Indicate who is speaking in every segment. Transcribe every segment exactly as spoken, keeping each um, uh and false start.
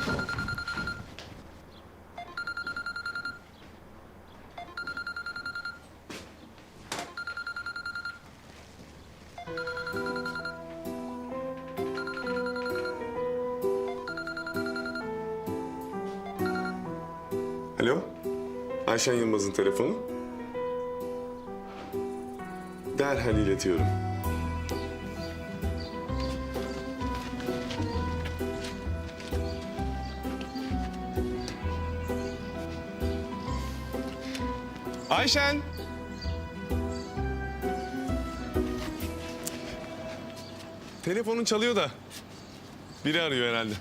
Speaker 1: Alo, Ayşen Yılmaz'ın telefonu. Derhal iletiyorum. Ayşen! Telefonun çalıyor da. Biri arıyor herhalde.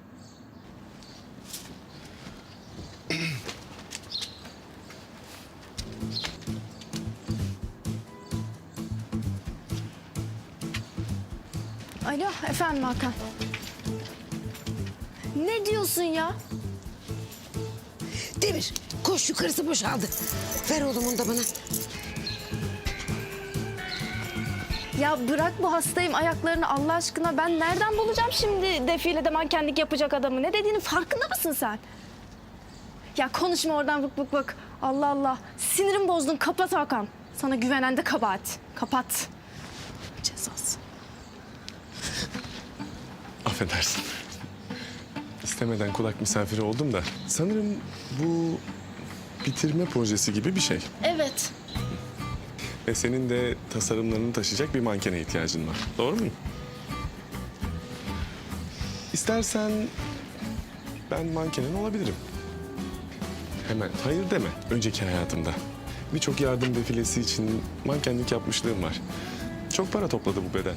Speaker 2: Alo, efendim Hakan. Ne diyorsun ya?
Speaker 3: Demir, koş yukarısı boşaldı. Ver oğlumun da bana.
Speaker 2: Ya bırak bu hastayım ayaklarını Allah aşkına. Ben nereden bulacağım şimdi defilede mankenlik yapacak adamı? Ne dediğinin farkında mısın sen? Ya konuşma oradan bık bık bık. Allah Allah. Sinirim bozdun. Kapat Hakan. Sana güvenen de kabahat. Kapat. Cezası.
Speaker 1: Affedersin. İstemeden kulak misafiri oldum da. Sanırım bu bitirme projesi gibi bir şey.
Speaker 2: Evet.
Speaker 1: Ve senin de tasarımlarını taşıyacak bir mankene ihtiyacın var. Doğru mu? İstersen ben mankenen olabilirim. Hemen hayır deme önceki hayatımda. Birçok yardım defilesi için mankenlik yapmışlığım var. Çok para topladı bu beden.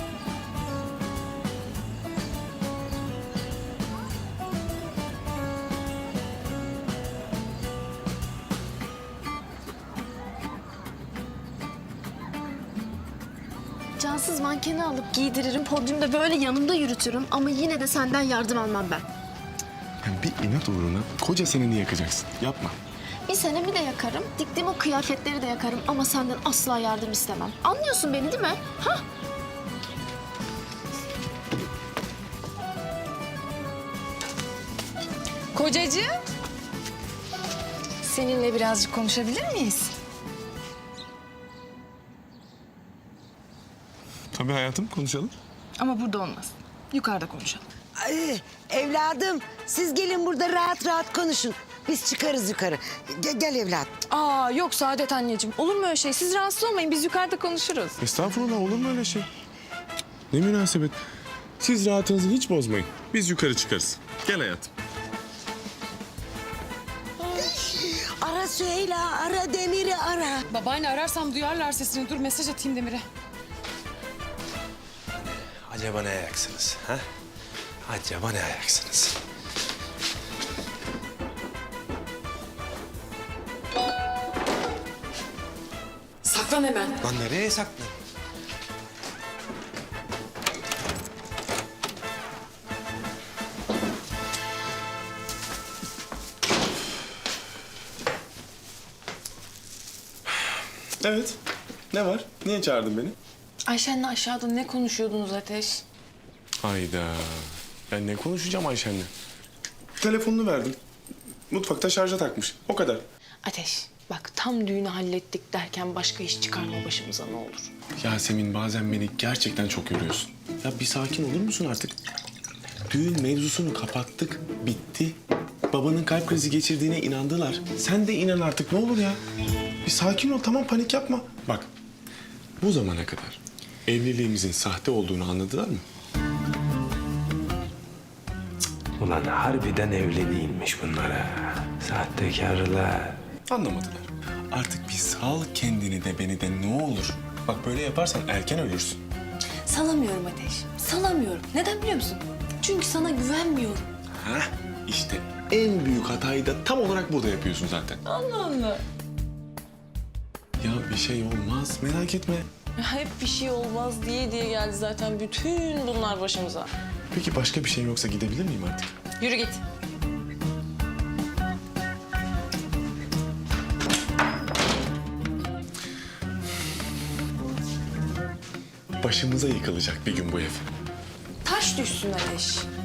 Speaker 2: Cansız mankeni alıp giydiririm. Podyumda böyle yanımda yürütürüm. Ama yine de senden yardım almam ben.
Speaker 1: Yani bir inat uğruna koca seneni yakacaksın. Yapma.
Speaker 2: Bir senemi de yakarım. Diktiğim o kıyafetleri de yakarım. Ama senden asla yardım istemem. Anlıyorsun beni değil mi? Ha?
Speaker 4: Kocacığım, seninle birazcık konuşabilir miyiz?
Speaker 1: Tabii hayatım konuşalım.
Speaker 4: Ama burada olmaz. Yukarıda konuşalım.
Speaker 3: Ay, evladım, siz gelin burada rahat rahat konuşun. Biz çıkarız yukarı. Ge- gel evladım.
Speaker 4: Aa yok Saadet anneciğim. Olur mu öyle şey? Siz rahatsız olmayın. Biz yukarıda konuşuruz.
Speaker 1: Estağfurullah olur mu öyle şey? Ne münasebet. Siz rahatınızı hiç bozmayın. Biz yukarı çıkarız. Gel hayatım.
Speaker 3: Ara Süheyla, ara Demir'i ara.
Speaker 5: Babaanne ararsam duyarlar sesini. Dur mesaj atayım Demir'e.
Speaker 6: Acaba ne ayaksınız? Ha? Acaba ne ayaksınız?
Speaker 5: Saklan hemen.
Speaker 6: Lan nereye saklan?
Speaker 1: Evet. Ne var? Niye çağırdın beni?
Speaker 5: Ayşen'le aşağıda ne konuşuyordunuz Ateş?
Speaker 1: Hayda. Ben ne konuşacağım Ayşen'le? Telefonunu verdim. Mutfakta şarja takmış. O kadar.
Speaker 5: Ateş bak tam düğünü hallettik derken başka iş çıkarma başımıza ne olur.
Speaker 1: Yasemin bazen beni gerçekten çok yoruyorsun. Ya bir sakin olur musun artık? Düğün mevzusunu kapattık. Bitti. Babanın kalp krizi geçirdiğine inandılar. Sen de inan artık ne olur ya. Bir sakin ol tamam panik yapma. Bak bu zamana kadar evliliğimizin sahte olduğunu anladılar mı?
Speaker 6: Ulan harbiden evli değilmiş bunlara. Sahtekarlar.
Speaker 1: Anlamadılar. Bir sal kendini de beni de ne olur. Bak böyle yaparsan erken ölürsün.
Speaker 5: Salamıyorum Ateş. Salamıyorum. Neden biliyor musun? Çünkü sana güvenmiyorum.
Speaker 1: Hah işte en büyük hatayı da tam olarak burada yapıyorsun zaten.
Speaker 5: Allah Allah.
Speaker 1: Ya bir şey olmaz merak etme.
Speaker 5: Ya hep bir şey olmaz diye diye geldi zaten bütün bunlar başımıza.
Speaker 1: Peki başka bir şey yoksa gidebilir miyim artık?
Speaker 5: Yürü git.
Speaker 1: Başımıza yıkılacak bir gün bu ev.
Speaker 5: Taş düşsün Ateş.